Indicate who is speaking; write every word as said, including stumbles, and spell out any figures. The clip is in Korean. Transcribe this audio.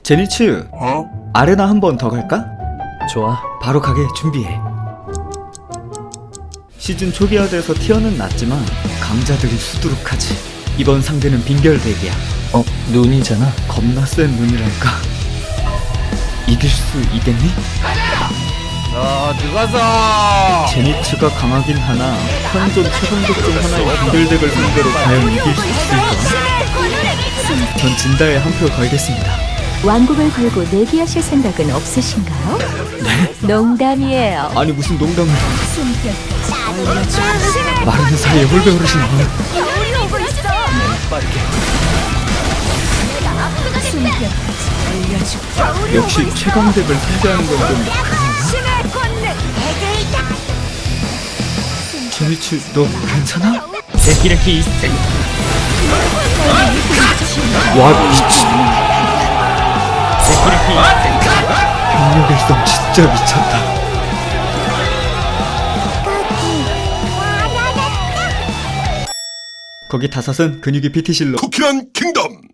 Speaker 1: 제니츠,
Speaker 2: 어?
Speaker 1: 아레나 한 번 더 갈까?
Speaker 3: 좋아.
Speaker 1: 바로 가게 준비해. 시즌 초기화 돼서 티어는 낮지만 강자들이 수두룩하지. 이번 상대는 빙결대기야.
Speaker 3: 어, 눈이잖아.
Speaker 1: 겁나 센 눈이랄까. 이길 수 있겠니?
Speaker 2: 자, 들어가서!
Speaker 1: 제니츠가 강하긴 하나 현존 최강적 중 하나의 빙결덱을 상대로 과연 이길 수 있을까? 전 진다에 한 표 걸겠습니다.
Speaker 4: 왕국을 걸고 내기하실 생각은 없으신가요?
Speaker 1: 네?
Speaker 4: 농담이에요.
Speaker 1: 아니 무슨 농담을. 마른 사이에 홀배 어르신이 뭘.
Speaker 3: 빠르게.
Speaker 1: 역시 최강덱을 상대하는 건 좀 그런가? 제니츠 너 괜찮아?
Speaker 3: 데키레키.
Speaker 1: 와 미친.
Speaker 3: 데키레키.
Speaker 1: 병력일성 진짜 미쳤다. 거기 다섯은 근육이 피티실로
Speaker 2: 쿠키런 킹덤!